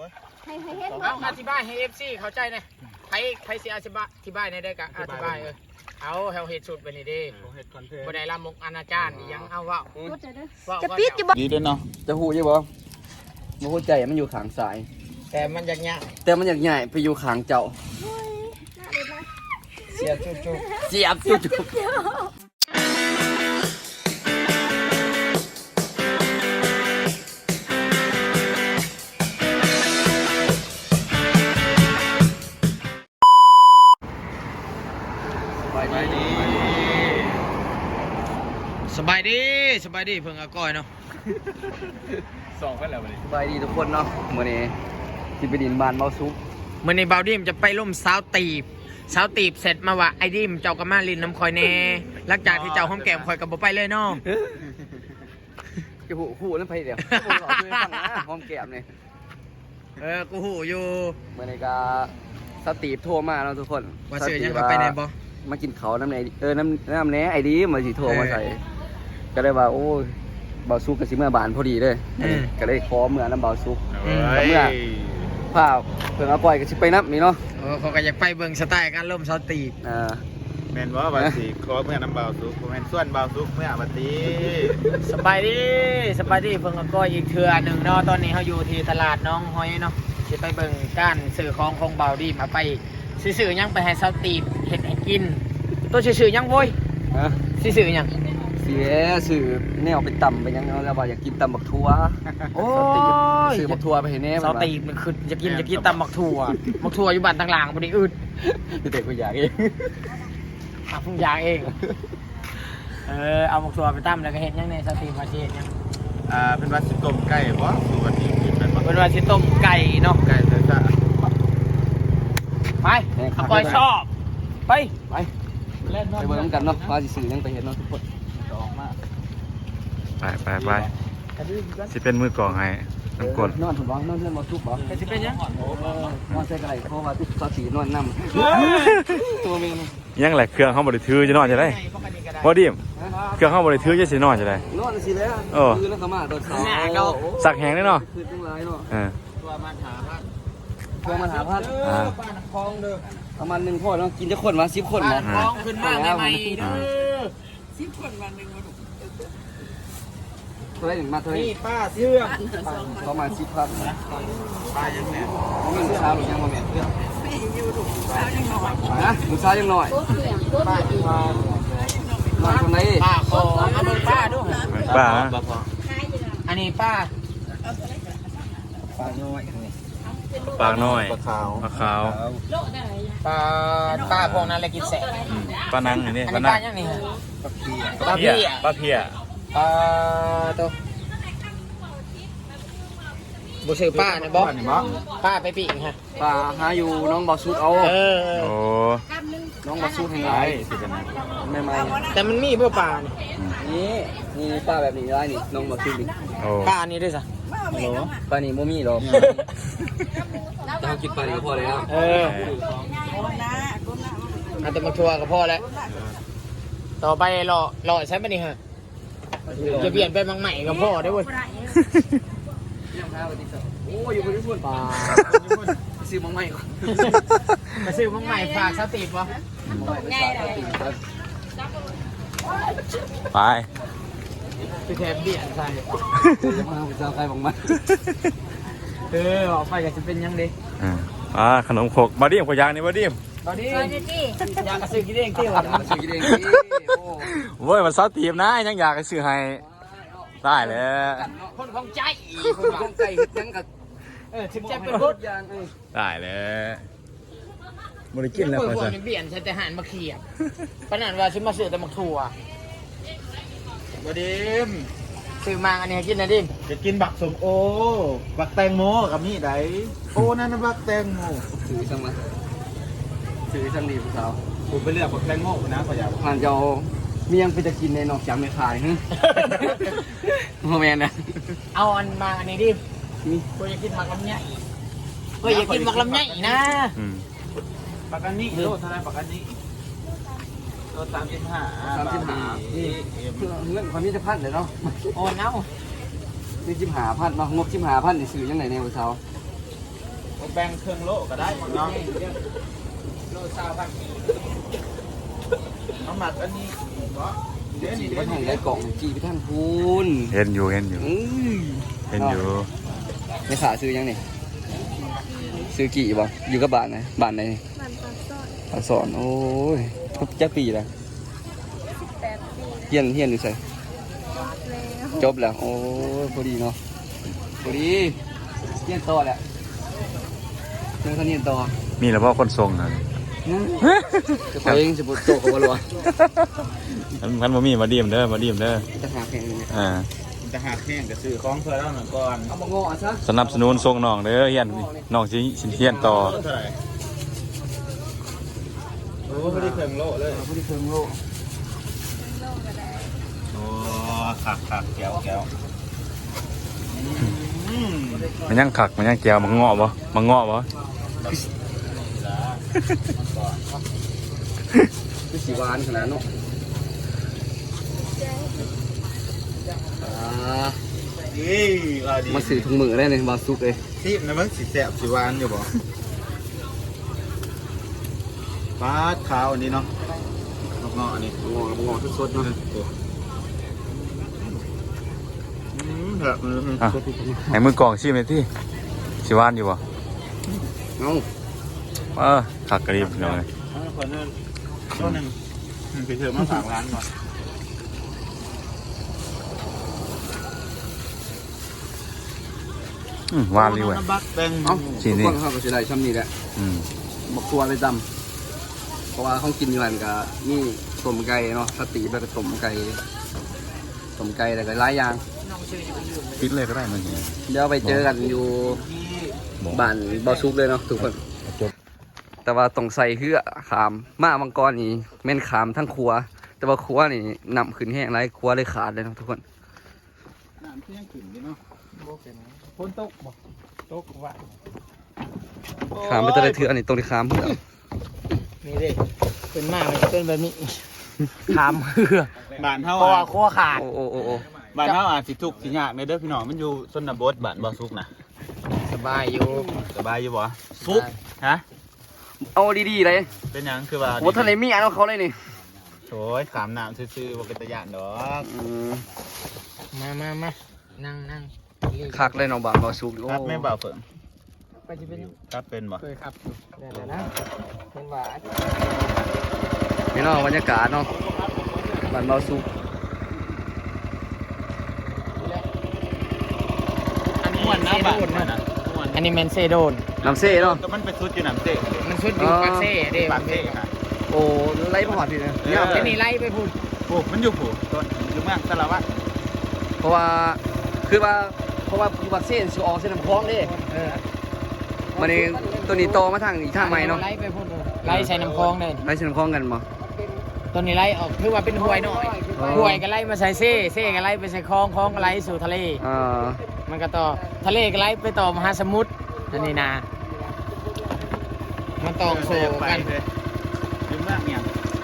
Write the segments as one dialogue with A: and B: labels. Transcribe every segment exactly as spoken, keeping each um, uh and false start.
A: ให้ให้เฮ็ด
B: เอาอธิบายให้เอฟซีเข้าใจหน่อยใครใครสิอธิบายอธิบายในได้กะอธิบายเออเอาเฮาเฮ็ดสุดไปนี่เด้บ่ได้ละมกอนาจารย์ยังเอาเว้าจะปิดอยู่บ่
C: ดีด้วยเนาะ
D: จะหูใช่บ่บ่หัวใจมันอยู่ข้างซ้าย
B: แต่มันอยากยะ
D: แต่มันอยากใหญ่ไปอยู่ข้างเจ้า
B: เสียจุจุ
D: เสียบจุ๊บ
C: ไปดี
B: สบายดีสบายดีเพิ่งอาก้อยเนาะ
C: สองกันแล้ววันนี้
D: สบายดีทุกคนเนาะมื้อนี้ที่ไปดินบ้านเบาซุป
B: มื้อนี้บาวดิมจะไปล่มสาวตีบสาวตีบเสร็จมาว่าไอ้ดิมเจ้าก็มาลินน้ำคอยแน่หลังจากที่เจ้าห้อมแก้มคอยก็บ่ไปเลยเนาะ
D: จะหูหูนั่นไปเดี๋ยวผมขอช่วยฟังนะหอมแก้มนี่
B: เออกูหูอยู่
D: มื้อนี้ก็สตีฟโทรมาเนาะทุกคน
B: ว่าเสือยังก็ไปไหนบ่
D: มากินเขาวน้ำไหนเออน้ำน้ำแหน่ไอ้ดีมาสิโทรมาใส่ก็เลยว่าโอ้ยเบาซุกกับสิเมื่อบานพอดีเลยก็เลยขอเมื่อน้ำเบาซุก เมื่อ ภาพเพิ่งเอาปล่อยก็สิไปนับนี่เนาะ
B: เออเขาก็อยากไปเบิ่งสไตล์การล่มสาวตีบ
D: อ่า
C: แมนว่าบัตสีขอเมื่อน้ำเบาซุกแมนส่วนเบาซุกเมื่อบัตสี
B: สบายดีสบายดีเพิ่งอาก้อยอีกเทื่อหนึ่งเนาะตอนนี้เขาอยู่ที่ตลาดน้องหอยเนาะสิไปเบิ่งการซื้อของของบาวดีมาไปซื้อๆยังไปให้สาวตีบเฮ็ดให้กินตัวซื้อๆยังโว้ย
D: ฮะ
B: ซื้อๆยัง
D: เสียสื่อแนวไปต่ำไปยังเนาะแล้วว่าอยากกินตำบักทั่ว
B: โอ้ย
D: สื่อบักทั่วไปเห็นแน่
B: สาวตีบมันคือจะกินจะกินตำบักถั่วบักถั่วอยู่บ้านต่างหลังบ่ได้อึด
D: พี่เด็กกูอยากเอง
B: อ่ะพุ่งยางเอง เออ เอาหมกตัวไปตั้มแล้วก็เห็นยังในสตรีมมาเชียนยัง
C: อ่าเป็นวัดสิต้มไก่บ่สูวันนี้กินเป็น
B: เป็นว่าชิต้มไก่เนาะ
C: ไก่เสือจ้า
B: ไปเอาก้อยชอบ ไป
D: ไปไปเบิ่งน้ำกันเนาะว่าสิสื่อยังไปเห็นเนาะทุกคนออกมา
E: ไปไปไปสิเป็นมือกองให้น้ำกรด
D: นอนถึงบ้านนอนเพื่อนมาทุบบ่
B: แต่สิเป็นยัง
D: นอนใส่กระไรเพราะว่าทุกสตีนอนน้ำตัวเมน
E: ยังแหละเครื่องเขาบริถือจะนอนจะได้พอดีมเครื่องเขาบริถือจะสินอนจะได้
D: นอนสิแล้ว
E: โอ้
D: คือแล้วก็มาตอนเช้า
E: สักแหงได้เนาะ
D: คือจังไรเนาะ
E: เออ
B: ตัวมันหาพัด
D: พวงมาหาพัด
E: อ่า
B: ป้าน้ำคลองเด้อ
D: ประมาณหนึ่งพ่อเนาะกินจะคนมาสิบคน
B: ป้า
D: มา
B: น้ำคลองขึ้นมาใหม่ๆเด้อ
D: เท่าไรหนึ่งมาเท่าไร
B: นี่ป้าเชื่อม
D: ประมาณสิบพัน
C: ปลายังแหน
D: มันมีลูกสาวหรือยังมาแม่เพื่อนนะลูกสาวยังหน่อย
B: ป้าอยู่
D: หน่อยคนไหน
B: ป้าขอเอาเบิ่งป้าดู
E: ป้านะ
B: อันนี้ป้า
D: ปลาน้อย
E: ปากน้อย
C: ปลาขาว
E: ปลาขาว
B: ป้าป้าพวกนั้นเลยกินแสบ
E: อืมปลานังอันนี้
B: อัน
E: ปลา
B: นี้
E: นั
B: ป้าง ยังนี่ฮะ
E: ปลาเพียปลาเพีย
B: ป้าตัวบุษือป้าเนี่ยบอกป้าไปปีกฮะ
D: ปลาหาอยู่น้องบอสุดเอา
B: เออ
E: โอ้
D: น้องบอสุดให้
C: ไร
D: ไร
C: สิเป็นไง
D: ไม่ไม่
B: แต่มันมีเพื่อป้านี่
D: นี่นี่ปลาแบบนี้ได้นี่น้องบอสุดดิ
E: โอ้
B: ป้าอันนี้ด้วยสิ
D: ปลานี่โมมี่หรอกจะกินปลานี่ก็พอเลยครับ
B: เออเอาแต่มาทัวร์กับพ่อแล้วต่อไปรอรอใช้ปะนี่ฮะจะเปลี่ยนไปมังใหม่กับพ่อได้เว้ย
D: โอ้อยู่บนที่ส่วนปลาซื้อมังไม่ก่อน
B: มาซื้อมังใหม่ฝากสติปะ
D: ง่ายเลย
E: ไป
B: คือแทนเบียนใส่
D: จะมาจะใครบังมัน
B: เออออกไปก็จะเป็นยังดี
E: อ่าอ่าขนมขกบอดี้มขอยางนี่บอดี้ม
B: ตอนนี้อยากกระซื้อกินเองที่ห
D: ตั
B: วั
D: ด
B: ง
D: มาซื้อกินเองโอ้
E: เว้ยมันซอสตีมนะยังอยากให้ซื้อให้ได้เลย
B: คนของใจ
D: คนของไก่ยังกับ
B: เออถึงจะเป็นพุทธ
D: ยางเออ
E: ได้เลยบริกินแล้ว
B: เปิด
E: พอ
B: พว
E: จะ
B: กนี้เบียนใช้แต่หันมาเขียบขนาดว่าซื้อมาซื้อแต่มักถั่ว
C: บดิม
B: ซื้อมาอันนี้ให้กินนะดิม
C: จะกินบักสมโอ บักแตงโมกับมีไดโอ้นั่นนะบักแตงโม
D: ซื้อสั่งมาซื้อสั่งดีผู้สาว
C: ผมไปเลือกบักแตงโมนะขอยาก
D: ผ่านเจ้ามียังไปจะกินในนอกจากไม่ขายฮะโมแมนนะ
B: เอาอันมาอันนี้ดิม
D: นี่
B: กูอยากกินหมักลำไยกูอยากกินหมักลำไยนะ
E: อืม
C: บักอันนี้โลเท่าไรบักอันนี้โลสามสิบห้า
D: สามสิบห้านี่เงินความมีจะพันเลยเนาะ
B: โอนเอา
D: นี่สิบห้าพันเนาะงบสิบห้าพันนี่ซื้อยังไงในผู้สาว
C: แบ่งเครื่องโลก็ได้เนาะ
B: โลซาวพันกี
C: เอาหมักอันนี้เนาะเดี๋ยวนี้
D: มั
C: เดี๋ย
D: น
C: ว
D: ให้
C: นี้
D: ได้กล่องจีไปทางพูน
E: เห็นอยู่เห็นอยู่
D: อื้อ
E: เห็นอยู่
D: ไม่ขาซื้อยังนี่ซื้อกี่บ่อยู่กับบ้านไหนบ้านไหน
A: มันปลาสอด
D: ปากสอนโอ้ยจักปีแล้ว
A: แปดปี
D: เฮียนเฮียนอยู่ไส
A: แล้ว
D: จบแล้วโอ้ยพอดีเนาะพอดีเฮียนต่อแหละเรื่องท่านเฮียนต่อ
E: มีแล้วพ่อคนทรงนะ
D: จะไปเองจะปวดโตกับวัว
E: มันมันบ่มีมาดีมเด้อมาดีมเด้อ
D: จะหาแข่งนี่
E: อ่า
C: จะหาแห้งก็ซื้อของเพื่อแล้วหน่อยก่อน
D: เอามางอซะ
E: สนับสนุนทรงน้องเด้อเฮียนน้องสิสิเฮียนต่อ
C: เท่าไหร่โอ้ไม่ได้เครื่องโลเลย
D: พอดีเพิ่งโล
A: โลกก็ได้
C: โอ้ขักขักแก้วแก้วอืม
E: มันยังขักมันยังแก้วมันเงาะบ่มันเงาะบ่
D: คือสีหวานขนาดเนาะอ่า
C: นี่ว่าดี
D: มาสื่อถุงมือได้เลยบาซุกเลย
C: ซีบนะมึงสีแสบสีหวานอยู่บ่ปลาขาวอันนี้เนาะงออันนี้
D: งอกับงอสดๆเนาะ
C: อืมแบบ
E: อ่ะให้มือกองชิมเลยที่สิหวานอยู่บ่
D: เอา
E: เออขักกระดิบน้องเลย
C: คนนึงตัวหนึ่งไปเถอะมาฝากร้านก่อน
E: อืมหวานเลยเว้ย
C: บักแบง
D: เอา
E: ชิ้
D: ทุ
E: น
D: ก
E: นี้
D: คนเข้าไปเสียดายช่ำนี้แหละ
E: อืม
D: บักตัวเลยจำเพราะว่าเขากินอยู่กันกับนี่ต้มไก่เนาะสติแบบต้มไก่ต้มไก่อะไรก็หลายอย่าง
E: ปิดเลยก็ได้มันเนี่ย
D: เดี๋ยวไปเจอกันอยู่บ้านบาซุกเลยเนาะทุกคน
E: จบ
D: แต่ว่าต้องใส่เหือขามมามังกรนี่แม่นขามทั้งครัว แต่ว่าครัวนี่นำขึ้นแห้งไรครัวเลยขาดเลยเนาะทุกคน
C: น้ำเที่ยงขึ้นดิเนาะ
B: ฝนตกบ่ตกว่า
D: ขามไปแตะไลเถื่ออันนี้ตรงที่ขามเพื่อ
B: นี่ดิเป็นมากเลยเป็นแบบนี้ขามเหือ
C: บ้านเฮา
B: เพราะว่า
C: อ่ะ
B: ขั้วขาด
D: โอ้โอ้โอ้โอ้
C: บ้านเฮาอาจสิทุกข์สิยากในเด้อพี่น้องมันอยู่ชนบทบ้านบ่สุกนะ
B: สบายอยู่
C: สบายอยู่บ่สุกฮะ
D: เอาดีๆเลย
C: เป็นหยังคือว่า
D: โอ้ทะเลมีอันของเขาเลยนี่
C: โอ้ยขามน้ำซื่อๆบ่เป็นตะยานดอก
D: อืม
B: มามามานั่งนั่ง
D: คักเลยเนาะบ้านบาซุกโอ้
C: ครับไม่บ่าวเฟิง
B: ไปจะเป็น
C: ครับเป็นบ่
B: เคยครับเดี๋ยวนะเป็นหวาน
D: นี่เนาะบรรยากาศเนาะบ้านบาซุก
C: อันนี้ม่วนนะบ้านม่วนนะม่วน
B: อันนี้เมนเซโดน
D: น้ำเซ่เนาะ
C: ก็มันไปสุดอยู่น้ำเสก
B: มันชุดอยู่ปากเซ่เด้
C: ปากเสกฮะ
D: โอ้ไล่ผ่านพี่เลย
C: เออ
D: เนี่ย
B: ไอ้นี่ไล่ไปพูด
C: โอ้มันอยู่ผู้ต้นอยู่เมืองสารวัตร
D: เพราะว่าคือว่าเพราะว่าอยู่บักเส้นสิออกเส้นน้ำคลองเด้
B: เออ
D: มันนี่ตัวนี้โตมาทางอีกทางใหม่เนาะ
B: ไล่ไปพูดไล่ใส่น้ำคลองเลย
D: ไล่เส้นน้ำคลองกันบ่
B: ตัวนี้ไล่ออกคือว่าเป็นห้วยหน่อย
D: อ๋อ
B: ห้วยก็ไล่มาใส่เซ่เซ่ก็ไล่ไปใส่คลองคลองก็ไล่สู่ทะเล
D: อ่า
B: มันก็ต่อทะเลก็ไล่ไปต่อมหาสมุทรอันนี้นะมันต้องโซ
C: ไป
B: กัน
C: เลยอยู่เมืองเนี่ย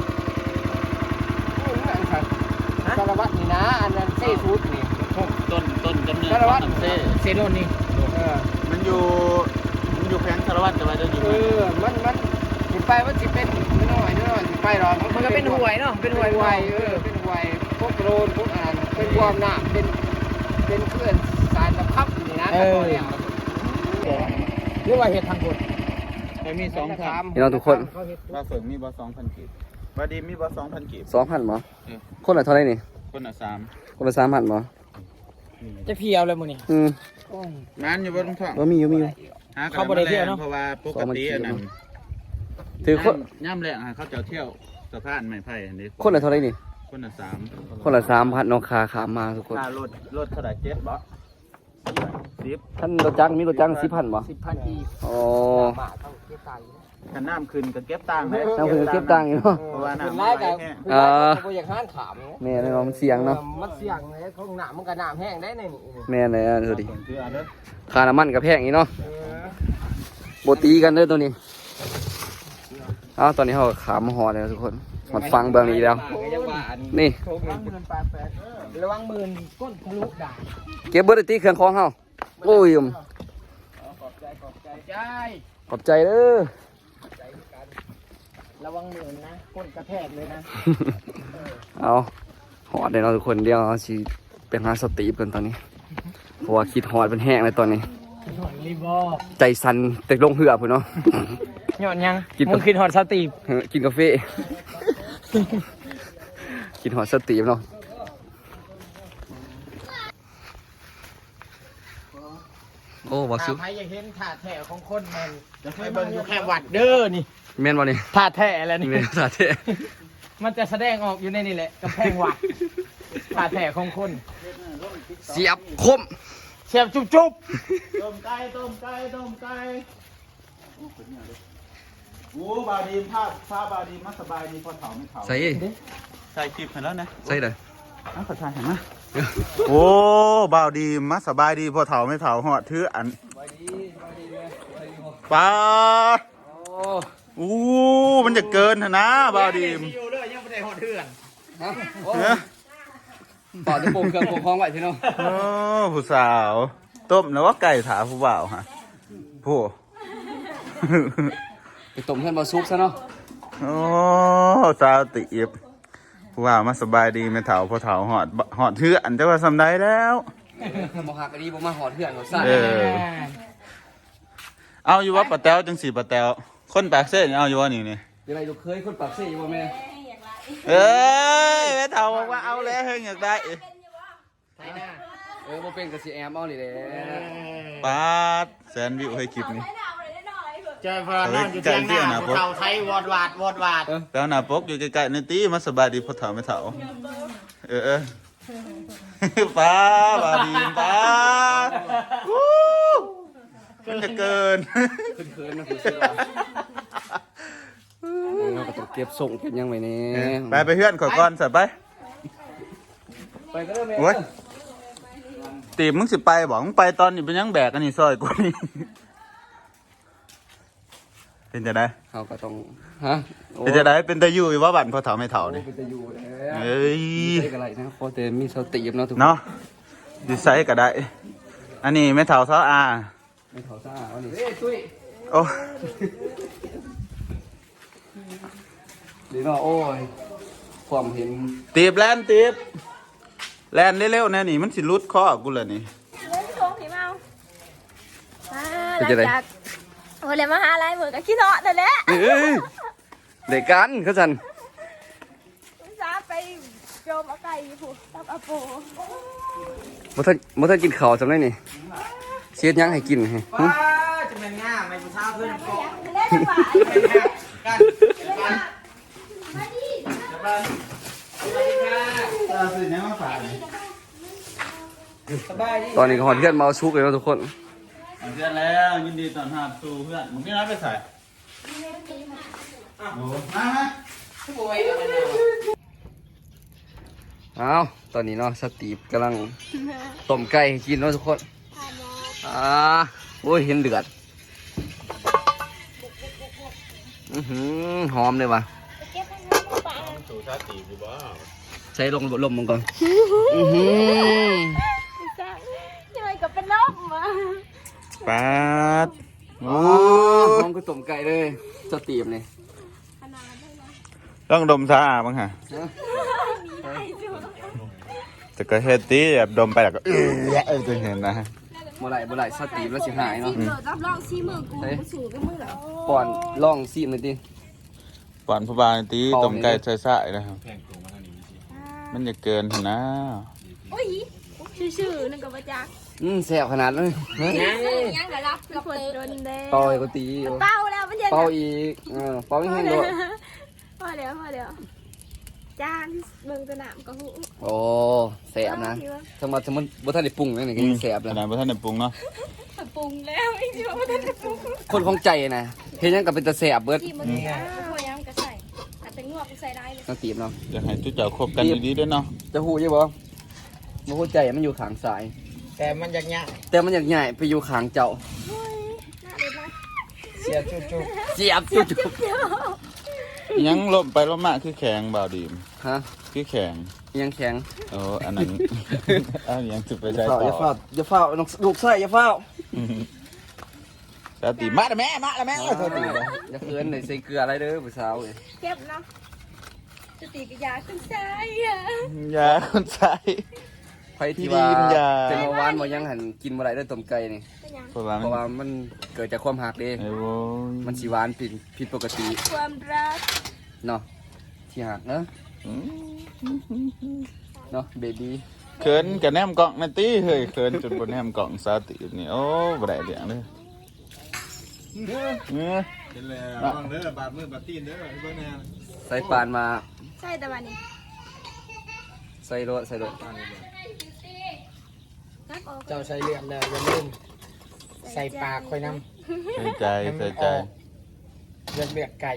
B: สารวัตรนี่นะอันนั้นเซ่ชุดนี่
C: ต้นต้นกำเนิด
B: สารวัตร
C: ของน้ำเส
B: เซโดนนี่เออ
C: มันอยู่มันอยู่แพงสารวัตรแต่ว่าจะอยู่
B: เอ
C: เมือง
B: อมันมันสิไปว่าสิเป็นไม่น้อยไม่น้อยสิไปหรอกมันก็เป็นห้วยเนาะเป็นห้วยห้วยเออเป็นห้วยพวกโรนพวกอ่านเป็นความน้ำเป็นเป็นเพื่อนสายสะพับนี่นะแต่ก่อนเนี่ยหรือว่าเห็ดทางกฎ
C: แต่มีสองพัน
D: พี่น้องทุกคน
C: ว่าเฟิงมีบอสองพันกีบว่าดีมีบอสองพันกีบ
D: สองพันบ่คนละเท่าไหร่นี่
C: คนละสาม
D: คนละสามพันบ่
B: จะเพียวเลยมึงนี่
D: อืม
C: งานอยู่บนท้อง
D: บ่มีอยู่มีอยู่
C: ห
B: เขาบ่ได้เที่ยวเนอะ
C: เพราะว่าปกติอันนั้น
D: ถือคน
C: ย่ำแรงอะเขาจะเที่ยวสะพานไม้ไผ่อันนี้
D: คนละเท่าไหร่นี่
C: คนละสาม
D: คนละสามพันเนาะคาขามมาทุกคน
C: ค่ารถรถเท่าไหร่เจ็ดบ่สิบ
D: ท่านรถจักรมีรถจักรสิบพันบ่
B: สิบพันอีก
D: อ๋อ
B: บาทเท่าเทียบไต
C: กันน้ำขึ้นก็เก็บตังค์ไหม
D: น้ำขึ้นก็เก็บตังค์อยู่เนอะ
C: เพราะว่าน้ำ
B: ไล่
C: ไหล
B: กับ
C: แห้ง
B: คือไล่กับบ่อยากห้านขาม
D: แม่เลยเนาะมันเสี่ยงเนาะ
B: มันเสี่ยงเลยของน้ำมันก็น้ำแห้งได้ในนี่
D: แม่เลยอ่ะดูดิ
C: คืออันเด้อ
D: ค่าน้ำมันกับแพงอีกเนาะ
B: เออ
D: โบตีกันเด้อตัวนี้เอ้าตอนนี้เขาก็ขามมาหอเลยทุกคนมันฟังเบื้องนี้แล้ว นี่
B: ระวังหมื่นแปดแปดระวังหมื่นก้นทะลุด่า
D: เก็บเบอร์ตีเครื่องของเฮาโอ้ยม
C: ขอบใจ
B: ขอบใจใจ
D: ขอบใจเด้อ
B: ใจกันระวังมือนะก้นกระแทกเลยนะ
D: เอาหอดเลยเนาะทุกคนเดียวเอาสิไปหาสตีฟกันตอนนี้เพราะว่าคิดหอดเป็นแห้งเลยตอนนี้
B: หอนรีบอ
D: ใจสั่นแต่ลงเหือพุ่นเนาะ
B: หยอดยัง
D: กิน
B: มึงคิดหอดสตีบ
D: เออกินกาแฟ กินหอดสตีฟเนาะ โอ้วาซุ
B: ถ้าใครอยากเห็นถาดแท้ของคนแมนจะไปเบิ่งอยู่แค่วัดเด้อนี่
D: แม่นบ่นี่
B: ถาดแท้แล้วนี่
D: แม่นสาธิต
B: มันจะแสดงออกอยู่ในนี่แหละกำแพงวัดถาดแท้ของคน
D: เสียบคม
B: เสียบจุ๊บจุ๊บ
C: ต้มไก่ต้มไก่ต้มไก่โอ้บาดีมภาพภาพบาดีมมาสบายดีพอเถาไม่เถา
D: ใส่
C: ใส่คลิปให้แล้วนะ
D: ใส่เลย
C: น้ำขอทานเห็นไหมโอ้บาวดีมาสบายดีพอเถาไม่เถาหอดถืออันปลา
D: โอ้
C: อู้มันจะเกินเถอะนะบาวดีม
B: อยู่เลยยังไม่ได้หอดเถื่อน
D: ฮะโอ้
C: เนื้อ
D: ต่อจะปรุงเครื่องปรุงคล้องไว้พี่น้อง
C: โอ้ผู้สาวต้มแล้วว่าไก่ถาผู้บ่าวฮะผู้
D: ไปต้มเพื่อนบาซุกซะเนาะ
C: โอ้สาวตีบผู้บ่าวมาสบายดีไม่เถาพอเถาหอดหอดถืออันจะว่าสำได้แล้ว
D: บอกหักอันนี้บอกมาหอดเพื่อนเขาใส่
C: เออ เอาอยู่ว่าปะแต้วจังสีปะแต้วคนปากเส้นเอาอยู่ว่านี่นี่
D: เป็นไรลูกเคยคนปากเสียอยู่บ่แม่
C: เอ้ยแม่เฒ่าบอกว่าเอาแล้วเฮ้ยอยากได้
B: ใช่หน้า
D: เออบ่เป็นกับสีแอมเอานี่แหละ
C: ปาดแสนวิวให้คลิปนี้
B: เจอพลานอนอยู่เที่ยงหน้าภูเขาไทยวอดวาดวอดวาด
C: แล้วหน้าปกอยู่ใกล้ๆนี่ตีมาสบายดีพ่อเฒ่าไม่เฒ่าเออเออป้าบาดีป้าวู้มันจะเกิน
D: เขินๆนะคุณเสือเราก็ต้องเก็บส่งเก็บยังไว้นี่
C: ไปไปเพื่อนขอก่อนสับไป
D: ไปก็ได้แม่
C: โอ้ยตีมึงสิไปบอกมึงไปตอนนี้เป็นยังแบกอันนี้ซอยกูนี่เป็นจะได้
D: เขาก็ต้องฮะโอ้
C: เป็นจะได้เป็นตะยูอยู่ว่าบั่นพ่อเฒ่าไม่เฒ่านี่
D: เป็นตะยูแล้ว
C: เอ้ย
D: ใส่กันไรนะเพราะแต่มีสติเนาะทุกคน
C: เนาะดีไซน์ก็ได้ อันนี้ไม่เท่าเท่าอา
D: ไม่เท่าซ่าเอานี่เอ้ยตุ้ย
C: โอ้
D: ดีเนาะโอ้ยความเห็น
C: ตีบแลนตีบแลนเร็วๆแน่นี่มันสิรุดข้อกูเลยนี่
A: เล่นโชว์ผีเมาอ่าหลังจากโอ้เลยมาหาอะไรเหมือนกับขี้เนาะนั่นแหละ
D: เอ้ยเด็กกันเขาสัน
A: ซาไปโจมเอาไก่ผูกตับอาโป
D: บ่ทันบ่ทันกินข้าวจำได้นี่เสียดยังให้กินให้หึ
B: ป้าจะเป็นง่าไม่ผู้สาวเพื่อนโกง
A: เล่นจังหวะ
B: กันกันมาดิสวัสดีค่ะ
C: ตาสิเนี่ยมาฝากนี่
B: สบายดี
D: ตอนนี้ก็หอนเพื่อนมาเอาชุกเลยเนาะทุกคน
C: เพื่อนแล้วยินดีต้อนรับสู่เพื่อนมึงไม่รับไปใส่โอ้มามา
B: โอ้ยอะไรเนี่ย
D: เอาตอนนี้เนาะสตีฟกำลังต้มไก่ให้กินเนาะทุกคนอ่าโอ้ยเห็นเดือดอื้อหือหอมเลยว่ะ
C: สู่ชาติกูบ้า
D: ใช้ลงลมมันก่อนอื้อหือ
A: ยังไงก็เป็นลมอ่ะ
C: ปาดโอ้
D: หอมก็ต้มไก่เลยสตีฟนี่
C: ต้องดมซาอาบ้างฮะแต่ก็เฮ็ดตีแบบดมไปแล้วก็เออเออจะเห็นนะ
D: บ่ไหลบ่ไหลสตีฟแล้วสิหายเนาะ
A: เดี๋ยวรับรองซีมือกูสูงก็มือแล้ว
D: ก่อนล่องซีมเลยดิ
C: ก่อนพบาลตีต้มไก่ใส่ใส่นะครับมันจะเกินเถอะนะ
A: โอ้ยชื่อๆนั่นก็มาจาก
D: อืมแซ่บขนาดเลยเฮ้ย
A: ยังเหรอรับกับคนโดนแดง
D: เป่าอีกก็ตี
A: เป้าแล้วมันยัง
D: เป่าอีกเออเป่าอีกให้โดด
A: พอเดี๋ยวพอเดี๋ยวจานเบิ่งสนามก็หู
D: โอ้แซ่บนะถ้ามาสมมติบ่ทันได้ปรุงเลยนี่ก็ยังแซ่บ
C: ข
D: แล้ว
C: นาดพระท่านได้ปรุงเนาะ
A: ปรุงแล้วไอ้ที่ว่ามันจะปรุง
D: คนของใจนะเฮ็ดหยังก็เป็นตาแซ่บเบิด
A: ที่มันเนี่ยพยายามก็ใส่แต่เป็นงวกใส่ได้เลย
D: น้องตีบเนาะ
C: อยากให้ทุกเจ้าคบกันดีๆด้วยเนาะ
D: จะฮู้อยู่บ่บ่ฮู้ใจมันอยู่ข้างซ้าย
B: แต่มันอยากง่า
D: แต่มันอยากใหญ่ไปอยู่ข้างเจ้า
A: น่าเด็ดมาก
B: เสียจุ๊บจุ๊บ
D: เสียบจุ๊บ
C: ยังลมไปลมมาคือแข็งบ่าวดีม
D: ฮะ
C: คือแข็ง
D: ยังแข็ง
C: โอ้อันนั้น อันยังจุดไปใช้
D: อย่า
C: ต่
D: เฝ้า
C: อ
D: อย่าเฝ้าอย่าเฝ้าน้องลูกไส้อย่าเฝ้า
C: สาวตีมาแล้วแม่มาแล้วแม่สาวตี
D: อย่าเขินเลยใส่เกลืออะไรเด้อผู้สาวเอ้ย
A: เก็บเนาะสติกยาขึ้นใจอ่ะ
C: ยาคนใส่
D: ไผที่ว่า
C: พี่ดีมอย่า
D: เป็นเบาหวานบ่ยังหันกินบ่ได้เด้อต้มไก่นี่
A: เป็นยัง
C: เพราะว่า
D: เพราะว่ามันเกิดจากความหักเด้
C: ไอ้โว้ย
D: มันสิหวานผิดผิดปกติ
A: ความรัก
D: เนาะที่หักเนาะ
C: อืม
D: เนาะเบบี้
C: เขินกับแนมกล่องนาตีเฮ้ยเขินจนบนแนมกล่องสาวตีนี่โอ้บ่ได้เรื่องเลยเออ
F: เป็นแล้วบังเด้อบาดมือบาดตีนเด้อเบิ่งแน่
D: ใส่ปานมา
A: ใช่แต่วันนี้
D: ใส่รถใส่รถ
A: นักออก
B: เจ้าใส่เหลี่ยมแล้วอย่าลืมใส่ปากค่อยน้
C: ใส่ใจ
B: ำให้มั
C: ใส่
B: นอ
C: ใจ
B: อกเลือดเลือดไก่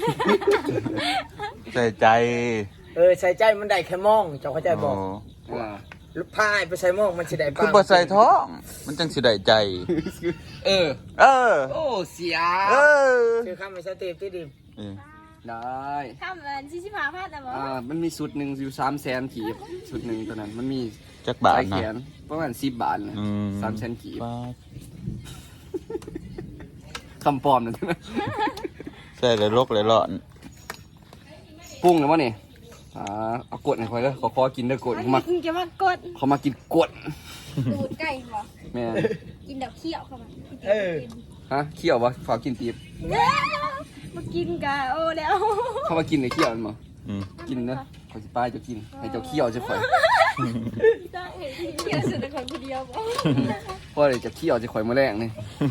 C: ใส่ใจ
B: เออใส่ใจมันได้แค่มองเจ้าเข้าใจบอก
C: โอ้
D: อ่า
B: ลูกพายไปใส่มองมันสิได้
C: คือบ่ใส่ท้อง มันจังสิได้ใจ
D: เออ
C: เออ
D: โอ้เสีย
C: เออ
B: คือข้ามไปสเตปที่ดิม
C: เออ
D: ได้
A: ทำมันชิชิพาพลาดแต่บอก
D: อ่ามันมีสุดหนึ่งอยู่สามแสนกีบสุดหนึ่งตัวนั้นมันมี
C: จักบาท
D: ใส่แข
C: นะ
D: นประมาณสิบบาทนะ
C: อืม
D: สามแสนกีบบ
C: าท
D: คำปลอมนั่นนะ
C: ใส่เลยลกเลยหลอน
D: ปรุงแล้ววะนี่อ่าเอากดให้คอยเลยขอขอกินเด้อกดเขามา
A: กินจะมากด
D: เขามากินกด
A: ดูดไก่บอก
D: แม่
A: กินเดี๋ยวเคี่ยวเข้ามา
B: เออ
D: ฮะเคี่ยววะฝากกินตีบ
A: มากินกะโอ้แล้ว
D: เขามากินในเคี่ยวมันมั้
C: อืม
D: กินนะขอสิป้ายจะกินให้เจ้าเคี่ยวจะคอย
A: ได้เห็นเคี่ยวสุดแต่คนคนเดียวบอก
D: เพราะเดี๋ยวจะเคี่ยวจะคอยมาแรงนี่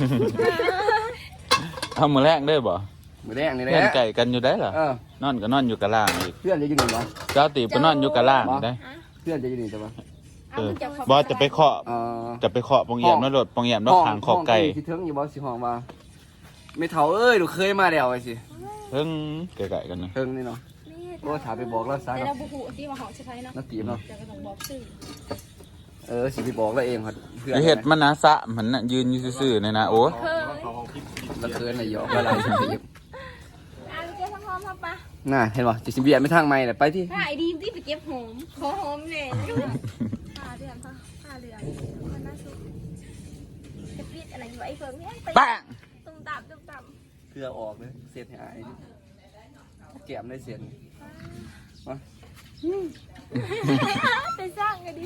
C: เอามือแรกได้บ่
D: มาแรงนี่แหละ
C: เพื่อนไก่กันอยู่ได้เหรอ
D: เออน
C: อนก็นอนอยู่กับล่างอีก
D: เพื่อนจะอยู่นี่เหรอ
C: เจ้าตีก็นอนอยู่กับล่างได้
D: เพื่อนจะอยู่นี่แต่ว่า
C: เออบ่จะไปเคาะ
D: อ่า
C: จะไปเคาะปองเอี่ยมนรถปองเอี่ยมนรถขางขอบไก่
D: ที่เทิงอยู่บ่สิห้องว่าไม่เท่าเอ้ยหนูเคยมาแล้วไอ้สิ
C: เพิ่งไก่ๆกันนะ
D: เทิงนี่เนาะโอ้ถามไปบอกแล้วซะ
A: แต่เรา
D: เนาะ
A: บุหูที่มาหอมใช่ไหมเนาะ
D: นักตีมเนาะ
A: จะกระต้องบอกชื่อ
D: เออสิไปบอกแล้วเองครับเพื่อน
C: ไอ้เห็ดมันนะสะมันน่ะยืนอยู่ซื่อๆเนี่ยนะโอ้
A: เคย
D: แล้วเคินน่ะหยอกละลายสิตีม
A: อ่ะไปเก็บหอมครับปะ
D: น่าเห็นบ่จิสิเบียดไม่ทางไม่แหละไปที่
A: ถ้าไอ้ดีมที่ไปเก็บหอมขอหอมเลยผ้าเดือนผ้าผ้าเดือนมันน่าสุดจะปิดอะไรอยู่ไอ้เฟิร์นเนี่ยไป
C: ปัง
A: ตุ้มตับตุ้มตับ
D: เพื่อออกเลยเสียดหายแก้มได้เสียดมา
A: ไปสร้างกันดิ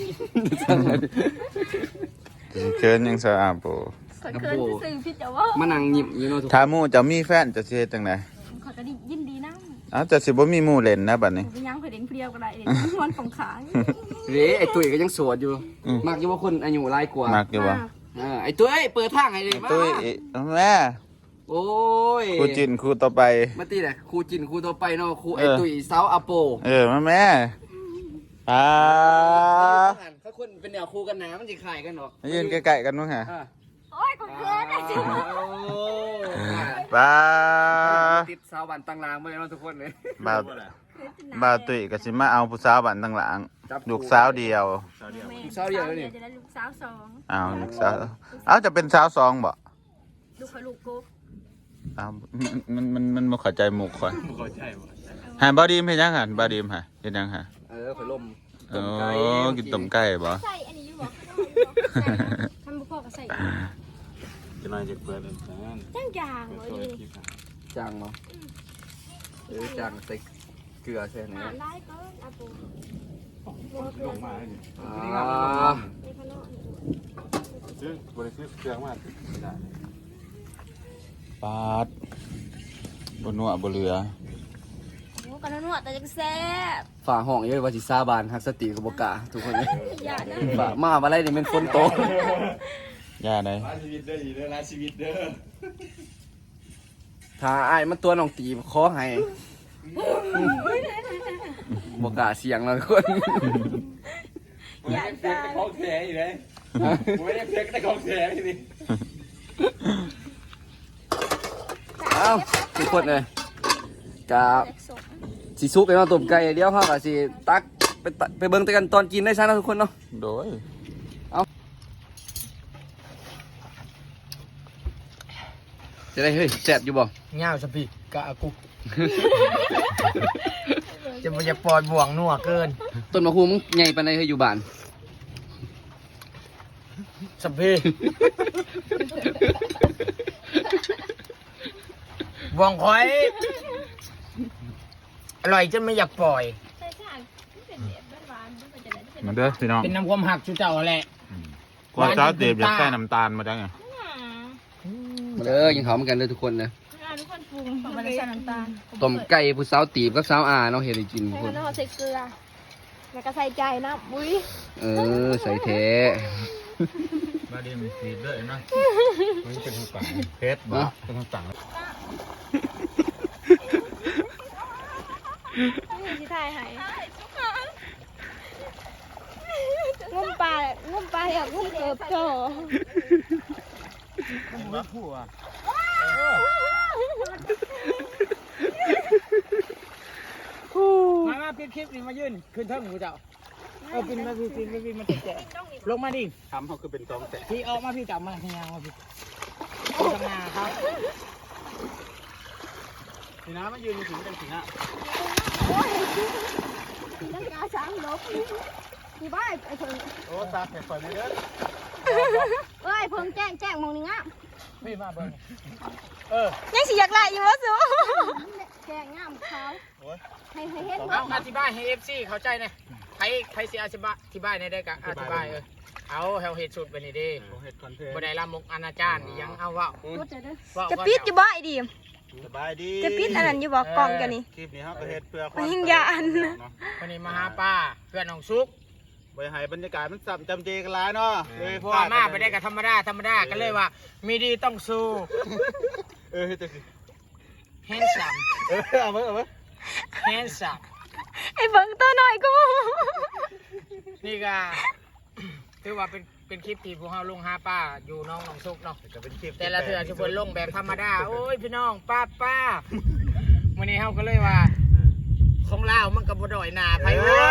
C: เชิญยังสะอาดโป
A: ขอเคินจะสื่อพี่จะว่า
D: มานั่งยิ้มอยู่เนาะทุก
C: ถ้าหมู่จะมีแฟนจะสิเฮ็ดจังได๋
A: ขอก็ดียินดีนะ
C: เอ้าจะสิบ่มีหมู่เล่นนะบัดนี้
A: ไปย่างเพื่อเด่นเพียวก็ได้เด่นวันของขาง
D: เด้ไอ้ตุ้ยก็ยังโสดอยู่
C: อืม
D: มักอยู่ว่าคนอายุหลายกว่า
C: มักอยู่บ่
D: เออไอ้ตุ้ยเปิดทางให้เลยมา
C: ตุ้ยแม่
D: โอ้ย
C: ครูจินครูต่อไป
D: มาตีแหละครูจินครูต่อไปเนาะครูไอ้
C: เออ
D: ตุ้ยสาวอาโป
C: เออมาแม่อ่า
D: ถ้าคนเป็นแนวครูกันนะมันจะขายกันเนาะ
C: มายืนใกล้ๆกันมั้งฮะ
D: อ่ะ
A: โอ้ยขอเคินไอ้จิ๋ว
D: โอ้
C: บ้า
D: ติดสาวบันตังรางมาเลยเนาะทุกคนเลย
C: บ่าวบ่าวตุ้ยก็สิมาเอาผู้สาวบ้านตั้งหลังลูกสาวเดียว
D: สาวเดียวเลยนี่
A: จะได้ลูกสาวสอง
C: เอาลูกสาวเอาจะเป็นสาวสองบ่
A: ลูกขอลูกกุ๊ก
C: เอามันมันมันบ่เข้าใจหมู่ข่อย
F: บ่เข้าใจบ่
C: หาบ่ดีมเฮ็ดยังหั่นบ่ดีมฮะเฮ็ดยังฮะ
D: เออข่อยลม
C: โอ้กินต้มไก่บ่
A: ใส่อันนี้อยู่บอกทำบุพอก็ใส่
F: จะนายจะเปิดอันนั้น
A: จ้างจางเลยดิ
D: จางเนาะเออจางใส่เกลือใช่ไหม
A: หาได้ก็อาปู
F: ลงมาให้นี่
D: อ่า
A: ในขนม
F: ซึ่งบริษัทเครื่องมาไม่ได้
C: ปาดบ่นัวบ่เหลือ
A: โอ้กันนวดแต่จะแซ่บ
D: ฝ่าห้องเยอะว่าสิซาบานฮักสติกับบกล้าทุกคนเลย
A: อย่านะ
D: ฝ่ามาอะไรนี่เป็นคนโต
C: ย่าได้
F: ร้านชีวิตเด้ออีเด้อร้านชีวิตเด้อ
D: ถ้าอ้ายมันตัวน้องตีขอให้บกล้าเสียงแล้วทุกคน
A: อย่าจาง
F: ของแท้อีเลยผมไม่ได้เพชรได้ของแท้ทีนี้
D: เอ้าทุกคนเลยกับสีซุปไปมาต้มไก่เดี๋ยวเขากับสีตักไปตักไปเบิ่งแต่กันตอนกินได้ซะนะทุกคนเนาะ
C: โดย
D: จะได้เฮ้ยแซ่บอยู่บ่
B: เงาสปีกกะกุกจะมันจะปล่อยบ่วงนัวเกิน
D: ต้นมะฮูมึงใหญ่ปานใดเฮ้ยอยู่บ้าน
B: สปีบองคอยอร่อยจนไม่อยากปล่อย
A: ใช่ค่ะเป็นแบบหวานๆมันจะได้เป็น
C: มาเด้อพี่น้อง
B: เป็นน้ำความหักชูเจ้าแหละ
C: กว่าจ้าเตียบอยากใส่น้ำตาลมาจังไง
D: มาเด้อกินข้าวเหมือนกันเด้อทุกคนนะ
A: ทุกคนปรุงมันจะใส่น้ำตาล
D: ต้มไก่ผู้สาวตีบกับสาวอาเนาะเฮ็ดให้กินทุก
A: ใส่
D: คน
A: น้ำใส่เกลือแล้วก็ใส่ใจนะอุ้ย
D: เออใส่แท้
C: มาดีมีสีด้วยนะมันเป็นทางฝั่งเพชรบ่เป็นทางฝั่ง
A: นี่ที่ถ่ายให้งุ่มปลางุ่มปลาอย่างงุ่มเอิบโต
B: ผัวมามาปิดคลิปนี่มายืนขึ้นเทิงกูเจ้าเออปินมาพี่ปินมาพี่มาแตะลงมาดิ
C: ทำเขาคือเป็นตองแตะ
B: พี่ออกมาพี่จับมาที่ยางมาพี่ทำงานครับ
C: สีน้ำมายืนถึงกันสีน้
A: ตั้งกาช้างลบมีบ้าไอ้เพิ่ง
C: ำโอ้ตาแข็งไฟไม่เด้อ
A: เอ้ยเพิ่งแจ้งแจ้งมองนี่งะ
B: พี่มาเบิ้งเออ
A: ยังสิอยากไล่อยู่วะสูแจ้งงามเขาให้ให้เห็น
B: เอาอธิบายให้เอฟซีเข้าใจหน่อยใครใครสิอธิบายอธิบายในได้กะอธิบายเออเอาเฮาเฮ็ดสุดไปนี่ดิ
C: เห็ดคอนเทน
B: บ่ได้ละมุกอนาจารยังเอาว่า
A: จะปิดอยู่บ่ไอ้ดีม
C: สบายดี
A: จะปิดอันนั้นอยู่บ่กล่องกันนี่
C: คลิปนี้ครับเห็ดเพื่อ
A: มันยิ่งยาน
B: วันนี้มาหาป้าเพื่อนน้องซุก
C: ไปให้บรรยากาศมันสับจำเจกันหลายเนาะเลยเพราะ
B: ป้ามาไปได้กับธรรมดาธรรมดาก็เลยว่า มีดีต้องสู้
C: เออเฮ็ดจังสิ
B: handsome
C: เออเอาไว้เอาไว้
B: handsome
A: ไอ้เบิ่งตัวหน่อยกู
B: นี่ก็ถือว่าเป็นเป็นคลิปที่พวกเราลงหาป้าอยู่น้องน้องซุกเนาะ
C: ก็เป็นคลิป
B: แต่ละเถื่อจะเพิ่นลงแบบธรรมดาโอ้ยพี่น้องป้าป้าวันนี้เขาก็เลยว่าของลาวมันก็บ่ด้อยหน้าไผเว้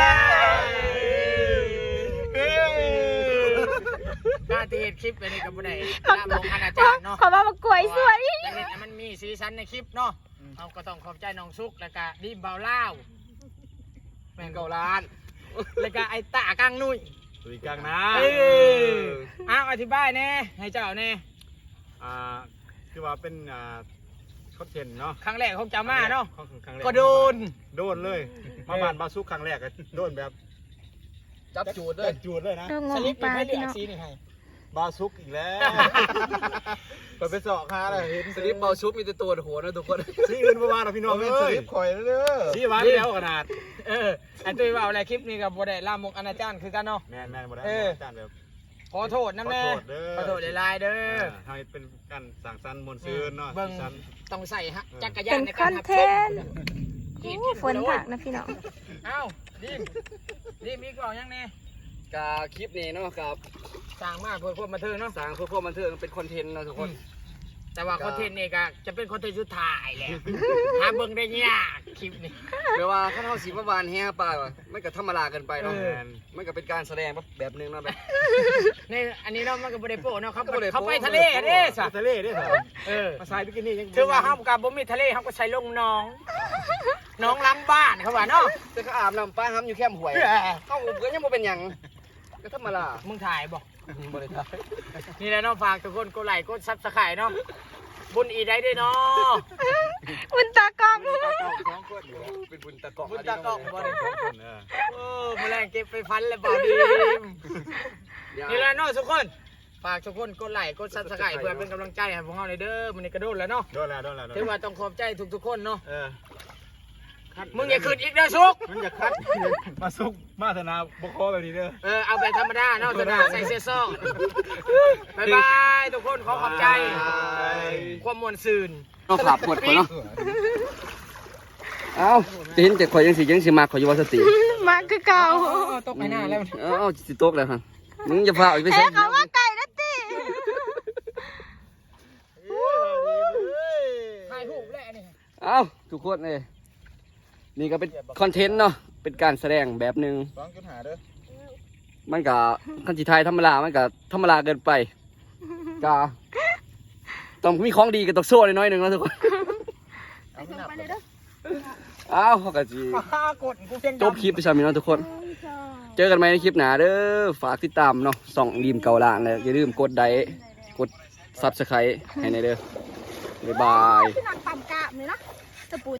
B: ยกาตีเฮ็ดคลิปไปนี่ก็บ่ได้ตามลงอนาจารย์เนาะ
A: ขอมามากล้วยสวย
B: แต่เฮ็ดให้มันมีสีสันในคลิปเนาะเราก็ต้องขอบใจน้องซุกแล้วก็ดีมเบาลาวแม่งเกาล้านแล้วก็ไอ้ตากลางนุ่ย
C: ตุยกลางนะ
B: เอออ้าวอธิบายแน่ให้เจ้าแน่
C: อ่าคือว่าเป็นอ่าคอนเทนต์เนาะ
B: ครั้งแรกของจามาเนาะ
C: ครั้งแร
B: ก็โดน
C: โดนเลย มาบ้านบาซุกครั้งแรกก็โดนแบบ
D: จับจูดเล
C: เดิ
D: ย
C: นจูดเลยนะ
A: เรื่องง
B: ส
A: ง
B: ลิป
A: ปลา
B: ไม่เหลื
A: พี่
B: อ
A: น้อง
B: สีนี่ให้
C: บาซุกอีกแล้วไปไปเสาะคาเลยเห็น
D: สลิปเบาชุบมีแต่ตัวโหนะทุกคน
C: สีอื่นประมาณเราพี่น้องเอ้ยสลิปข่อยแล้วเด้อสีหวานแล้วขนาด
B: เออไอ้ตุ้ยว่าอะไรคลิปนี้กับบ่ได้ลามกอนาจารคือกันเนาะ
C: แม่นแม่นบ่ได้
B: เออ
C: จานแบบ
B: ขอโทษนะแม่
C: ขอโทษเด้อ
B: ขอโทษหลายๆเด้อ
C: ให้เป็นการสั่งสรรค์มวลซืนเนาะ
B: เบิ่ง
C: สั่ง
B: ต้องใส่ฮะจักรยา
A: เป็น น
B: ใน
A: ค
B: กา
A: อ
B: ร
A: น
B: รับ
A: เท
B: ชม
A: นต์โอ้ฝนผักนะพี่น้อง
B: เอ้าดิมดิมมีกล่องยังแน่
D: กาคลิปนี้เนาะครับ
B: สร้างมาเพื่อความบันเทิงเนาะ
D: สร้างเพื่อความบันเทิงเป็นคอนเทนต์เนาะทุกคน
B: แต่ว่าคอนเทนต์นี่ก็จะเป็นคอนเทนต์สุดท้ายแหละหาเบิ่งได้ยากคลิปนี้
D: แปลว่าข้าเท่าสีมาวานแฮ่ป่าวะมันก็ธรรมดาเกินไปเนาะ
B: เออ
D: มันก็เป็นการแสดงแบบนึงเนาะแบบ
B: นี่อันนี้เนาะมันก็บ่ได้โปะเนาะเขา
D: ก็บ่ได้โปะ
B: เขาไปทะเลเด้สะ
C: ทะเลเด้อ
B: เออ
C: มาใส่บิกินี่ยัง
B: ถือว่าเฮากับบ่มีทะเลเฮาก็ใช้ลงหน้องหน้องล้างบ้านเขาว่าเนาะ
D: แต่ก็อาบน้ำป้าห้ำอยู่แคมป์หวยเข้าอุบก็ยังบ่เป็นหยังก็ธรรมดา
B: มึงถ่ายบ่
D: บ่ได้ถ่าย
B: นี่แหละเนาะฝากทุกคนกดไลค์กดซับสไครต์เนาะบุญอีได้ด้วยเนาะ
A: บุญตากล้อง
C: สองคนอยู่
D: เป็นบุญตะเกาะ
B: บุญตากล้องบ่ได้
C: สองคนเออ
B: โอ้แมลงเก็บไปพันแล้วบ่ดีมนี่แหละเนาะทุกคนฝากทุกคนกดไลค์กดซับสไครต์เพื่อเป็นกำลังใจให้พวกเราหน่อยเด้อมื้อนี้ก็โดนแล้วเนาะ
C: โดนแล้วโดนแล้วโดน
B: ถือ
C: แล้ว
B: ว่าต้องขอบใจทุกๆคนเนาะ
C: เออ
B: มึงอย่าขึ้นอีกเด้อสุก
C: มันจะคัดมาซุกมาธนาบกคอแบบนี้เด้อ
B: เออเอาแบบธรรมดาเนาะธรรมดาใส่เสื้อซองบ๊ายบายทุกคนขอขอบใจ ความมวลซืน
D: ต้องขับหมดคนเนาะเอ้าจะเห็นแต่ข่อยยังสิยังสิมาข่อยอยู่ว่าสติ
A: มาคือเก่า
B: ตกไปหน้าแล้ว
D: เอ้าสิตกแล้วครับมึงอย่าพาอีกไป
A: เอ๊ะ
D: ใส่
A: เขาว่าไก่นะติ
B: ถ่ายรูปแล้วนี่
D: เอ้าทุกคนเลยนี่ก็เป็นคอนเทนต์เนาะเป็นการแสดงแบบหนึ่ง
C: สองจุดห้าเด้อ
D: มันก็คันสิไทยธรรมดามันก็ธรรมดาเกินไปก็ต้องมีของดีกับตกโซ่น้อยๆหนึ่งแล้วทุกคน
A: ไปเลยเด้อ
D: เอ้าเขาก็จี
B: กดกูเพียง
D: จบคลิปไปสามีเนาะทุกคน เจอกันไหมในคลิปหน้าเด้อฝากติดตามเนาะส่องดีมเก่าล่างเลยอย่าลืมกดไลค์กดซับสไครต์ให้ในเด้อบ๊ายบาย
A: พี่นางต่ำกาบนี่นะจะปู